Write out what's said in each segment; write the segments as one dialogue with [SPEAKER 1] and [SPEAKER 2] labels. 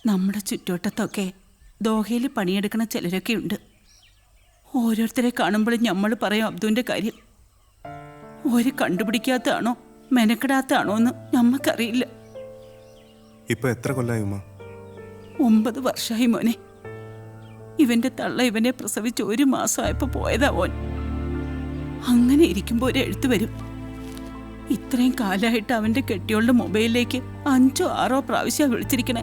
[SPEAKER 1] നമ്മുടെ ചുറ്റുവട്ടത്തൊക്കെ ദോഹയിൽ പണിയെടുക്കണ ചിലരൊക്കെ ഉണ്ട്. ഓരോരുത്തരെ കാണുമ്പോഴും നമ്മൾ പറയും അബ്ദുവിൻ്റെ കാര്യം. ഒരു കണ്ടുപിടിക്കാത്തതാണോ മെനക്കെടാത്താണോ എന്ന് നമ്മക്കറിയില്ല.
[SPEAKER 2] ഇപ്പൊ എത്ര കൊല്ലായി ഉമ്മ?
[SPEAKER 1] 9 വർഷമായി മോനെ. ഇവന്റെ തള്ള ഇവനെ പ്രസവിച്ച് 1 മാസമായപ്പോ പോയതാ ഓൻ. അങ്ങനെ ഇരിക്കുമ്പോ ഒരു എഴുത്ത് വരും. ഇത്രയും കാലമായിട്ട് അവന്റെ കെട്ടിയോളുടെ മൊബൈലിലേക്ക് 5ഓ 6ഓ പ്രാവശ്യം വിളിച്ചിരിക്കണേ.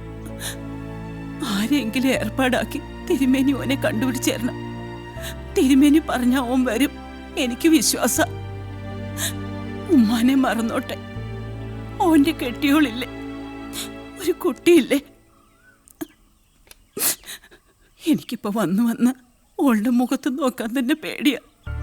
[SPEAKER 1] ആരെങ്കിലും ഏർപ്പാടാക്കി തിരുമേനി ഓനെ കണ്ടുപിടിച്ചേരണം. തിരുമേനി പറഞ്ഞ ഓൻ വരും, എനിക്ക് വിശ്വാസ. ഉമ്മാനെ മറന്നോട്ടെ. ഓന്റെ കെട്ടിയോളില്ലേ, ഒരു കുട്ടിയില്ലേ. എനിക്കിപ്പോ വന്ന് ഓളുടെ മുഖത്ത് നോക്കാൻ തന്നെ പേടിയാ.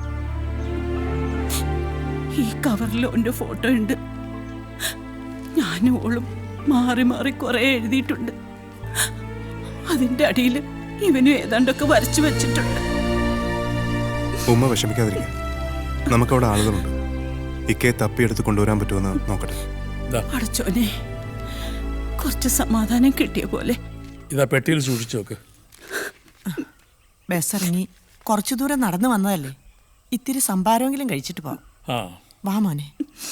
[SPEAKER 1] ഈ കവറിൽ ഓന്റെ ഫോട്ടോ ഉണ്ട്. ഞാനും ഓളും മാറി മാറി കുറെ എഴുതിയിട്ടുണ്ട്. അതിന്റെ അടിയിൽ ഇവനും ഏതാണ്ടൊക്കെ വരച്ചു വെച്ചിട്ടുണ്ട്.
[SPEAKER 2] ഉമ്മ വിഷമിക്കാതിരിക്കുക. നമുക്കവിടെ ആളുകളുണ്ട്. ഇക്കയെ തപ്പിയെടുത്ത് കൊണ്ടുവരാൻ പറ്റുമെന്ന് നോക്കട്ടെ.
[SPEAKER 1] അടച്ചോനെ, കുറച്ച് സമാധാനം കിട്ടിയ പോലെ.
[SPEAKER 3] ഇതാ പെട്ടിയിൽ സൂക്ഷിച്ചു നോക്ക്.
[SPEAKER 4] ബസ് ഇറങ്ങി കുറച്ചു ദൂരം നടന്നു വന്നതല്ലേ, ഇത്തിരി സംഭാരമെങ്കിലും കഴിച്ചിട്ട് പോവാം. വാ മോനെ.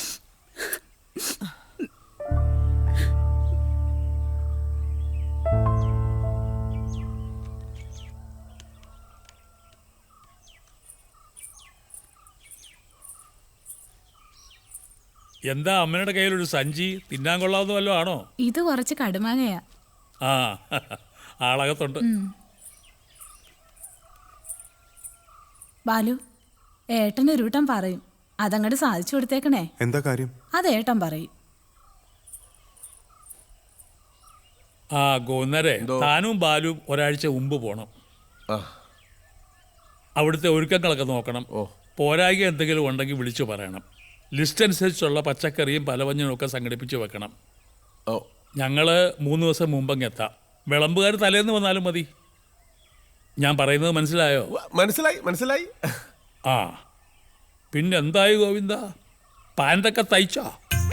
[SPEAKER 3] എന്താ അമ്മയുടെ കയ്യിലൊരു സഞ്ചി? തിന്നാൻ കൊള്ളാവുന്ന വല്ലതും ആണോ?
[SPEAKER 5] ഇത് കുറച്ച് കടുമാങ്ങയാ.
[SPEAKER 3] ആ ആളകത്തുണ്ട്.
[SPEAKER 5] ബാലു, ഏട്ടൻ ഒരു വട്ടം പറയും, അതങ്ങോട്ട് സാധിച്ചു കൊടുത്തേക്കണേ.
[SPEAKER 2] എന്താ കാര്യം?
[SPEAKER 5] അത് ഏട്ടൻ പറയും.
[SPEAKER 3] ആ ഗോന്നരെ, താനും ബാലും ഒരാഴ്ച മുമ്പ് പോണം. അവിടുത്തെ ഒരുക്കങ്ങളൊക്കെ നോക്കണം. പോരായ്ക എന്തെങ്കിലും ഉണ്ടെങ്കിൽ വിളിച്ചു പറയണം. ലിസ്റ്റ് അനുസരിച്ചുള്ള പച്ചക്കറിയും പലവഞ്ഞനും ഒക്കെ സംഘടിപ്പിച്ച് വെക്കണം. ഞങ്ങൾ 3 ദിവസം മുമ്പങ്ങ് എത്താം. വിളമ്പുകാർ തലേന്ന് വന്നാലും മതി. ഞാൻ പറയുന്നത് മനസ്സിലായോ?
[SPEAKER 6] മനസ്സിലായി.
[SPEAKER 3] ആ പിന്നെന്തായി ഗോവിന്ദ, പാൻറ്റൊക്കെ തയ്ച്ചോ?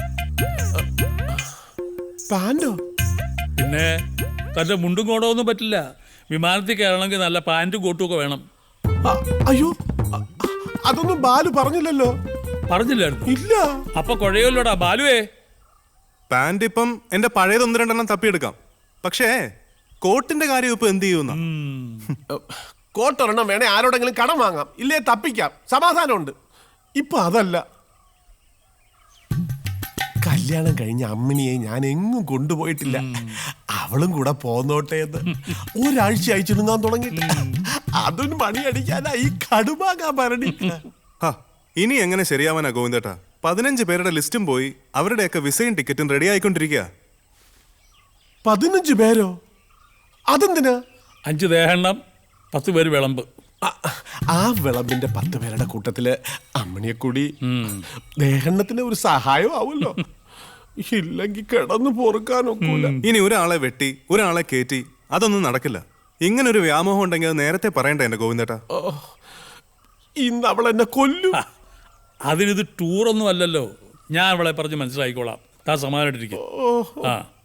[SPEAKER 6] പാൻറ്റോ?
[SPEAKER 3] പിന്നെ തൻ്റെ മുണ്ടും കോടൊന്നും പറ്റില്ല. വിമാനത്തിൽ കയറണമെങ്കിൽ നല്ല പാൻറ്റും കോട്ടും ഒക്കെ വേണം.
[SPEAKER 6] അയ്യോ, അതൊന്നും ബാലു പറഞ്ഞില്ലല്ലോ.
[SPEAKER 3] പറഞ്ഞില്ലായിരുന്നു?
[SPEAKER 6] ഇല്ല.
[SPEAKER 3] അപ്പൊ കുഴയല്ലോടാ ബാലുവേ.
[SPEAKER 2] പാൻറ് ഇപ്പം എന്റെ പഴയത് 1-2 തപ്പിയെടുക്കാം. പക്ഷേ കോട്ടിന്റെ കാര്യം ഇപ്പൊ എന്ത് ചെയ്യുന്ന?
[SPEAKER 6] കോട്ടൊരെണ്ണം വേണേ ആരോടെങ്കിലും കടം വാങ്ങാം, ഇല്ലേ തപ്പിക്കാം, സമാധാനമുണ്ട്. ഇപ്പൊ അതല്ല. കല്യാണം കഴിഞ്ഞ അമ്മിനിയെ ഞാൻ എങ്ങും കൊണ്ടുപോയിട്ടില്ല. അവളും കൂടെ പോന്നോട്ടെ എന്ന് ഒരാഴ്ച അയച്ചിടുങ്ങാൻ തുടങ്ങി. അതൊരു മണി അടിക്കാനാ ഈ കടുമാകാൻ ഭരണി.
[SPEAKER 2] ഇനി എങ്ങനെ ശരിയാവാനാ ഗോവിന്ദേട്ടാ? 15 പേരുടെ ലിസ്റ്റും പോയി, അവരുടെയൊക്കെ വിസയും ടിക്കറ്റും റെഡി ആയിക്കൊണ്ടിരിക്കുക.
[SPEAKER 6] 15 പേരോ? അതെന്തിനാ?
[SPEAKER 3] 5 ദേഹെണ്ണം, 10 പേര് വിളമ്പ്.
[SPEAKER 6] ആ വിളമ്പിന്റെ 10 പേരുടെ കൂട്ടത്തില് അമ്മണിയെ കൂടി ദേഹണ്ണത്തിന് ഒരു സഹായം ആവുമല്ലോ. ഇല്ലെങ്കിൽ കിടന്നു പൊറുക്കാനൊക്കൂല.
[SPEAKER 2] ഇനി ഒരാളെ വെട്ടി ഒരാളെ കയറ്റി അതൊന്നും നടക്കില്ല. ഇങ്ങനൊരു വ്യാമോഹം ഉണ്ടെങ്കിൽ അത് നേരത്തെ പറയണ്ടേ എന്റെ ഗോവിന്ദേട്ടാ?
[SPEAKER 6] ഇന്ന് അവൾ എന്നെ കൊല്ലും.
[SPEAKER 3] അതിനിത് ടൂറൊന്നും അല്ലല്ലോ. ഞാൻ അവളെ പറഞ്ഞ് മനസ്സിലാക്കിക്കോളാം. താ സമാധാനമായിട്ടിരിക്കും.